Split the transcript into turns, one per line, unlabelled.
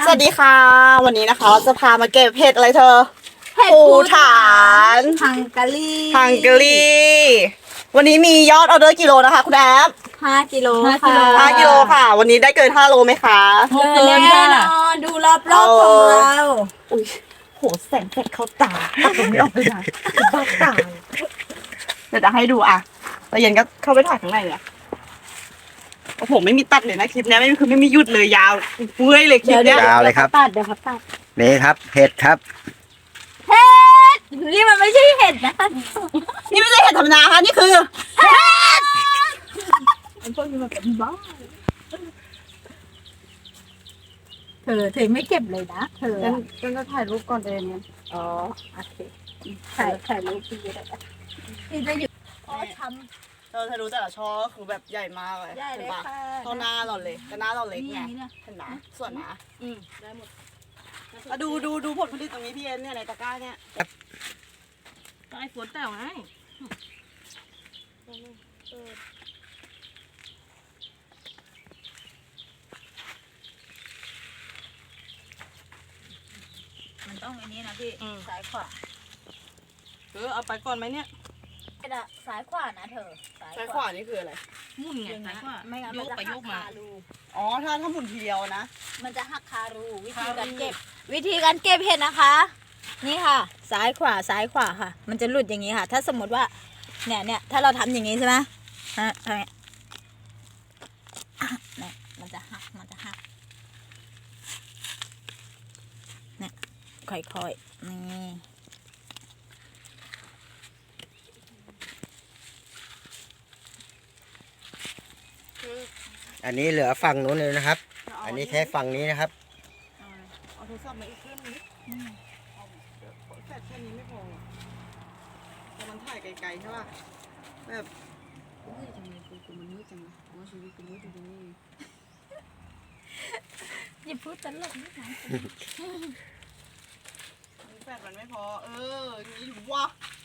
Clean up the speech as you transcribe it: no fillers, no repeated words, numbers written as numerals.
สวัสดีค่ะวันนี้นะคะเราจะพามาเก็บเห็ดอะไรเธอ
เห็ด
ภู
ภู
ฐาน
ฮังการี
ฮังการีวันนี้มียอดออเดอร์กิโลนะคะคุณแอฟ
5 กิโล
5 กิ
ค่ะ
โล
5 กิโลค่ะ วันนี้ได้เกิน5 โลไหมคะ
เกินแน่นอนดูรอบๆของเรา
อุ้ยโหแสงแฟลชเข้าตาตัดตรงนี้ออกไปนะบ้าตาเดี๋ยวจะให้ดูอ่ะแล้วเย็นก็เข้าไปถ่ายข้างในเนี่ยโอ้โหไม่มีตัดเลยนะคลิปเนี้ยไม่มีหยุดเลยยาวเมื่อยเลยคลิปเนี้ย
ยาวเลยครับ
เดี๋ยวเขาตัด
นี่ครับเห็ดครับ
เห็ดนี่มันไม่ใช่เห็ดนะ
นี่ไม่ใช่เห็ดธรรมดาค่ะนี่คือ
มันพวกนี้มันเป็นบ้าเธอไม่เก็บเลยนะเธอ
ฉันจะถ่ายรูปก่อนเองเนี่ย
อ๋อโอเคถ่ายรูปพี่ได้นี่จะอยู่อ๋อท
เธอรู้แต่ละช่อก็คือแบบใหญ่มากเลย
ำได้เลย
เห็นปะ
ค่ะ
เท่าหน้าเราเลยแต่หน้าเราเล็ก
นี่อ
ไง
ย่างนี้นะ
เห็นไหมส่วนหนา
ได้หมด
มาดูผลผลิตตรงนี้พี่เอ็นเนี่ยในตะกร้าเนี่ย
ก็ไอ้ฝนแต่งไง
มันต้องอันนี้นะพี่ซ้ายขวา
เอาไปก่อนไหมเนี่ย
ซ้ายขวานะเธอ
ซ้ายขวานี่คืออะไร
มุ่นไงซ้ายขวา
ไม่งั้น
โย
มัน
ก
จะ
ไป
หั
โย
ก
กมา
คารู
อ๋อถ้าหมุนทีเดียวนะ
มันจะหักคารูวิธีการเก็บ วิธีการเก็บเห็ดนะคะ นี่ค่ะ ซ้ายขวาซ้ายขวาค่ะ มันจะหลุดอย่างนี้ค่ะ ถ้าสมมติว่าเนี่ยถ้าเราทำอย่างนี้ใช่ไหมฮะทำเนี่ยเนี่ยมันจะหักเนี่ยค่อยๆนี่
อันนี้เหลือฝั่งนู้นเลยนะครับ อันนี้แค่ฝั่งนี้นะครับ
เอาโทรศัพท์มาอีกเครื่องนึงเอาเดี๋ยวแฟลชแค่นี้ไม่พอแต่มันถ่ายไกลๆใช่ป่ะแบบเฮ้ยทำไมกูมันมืดจังวะว่าชีวิตกูมืดจริงๆนี่
อย่าพูดตลกนิดนะ
แฟลชมันไม่พออย่างนี้อยู่วะ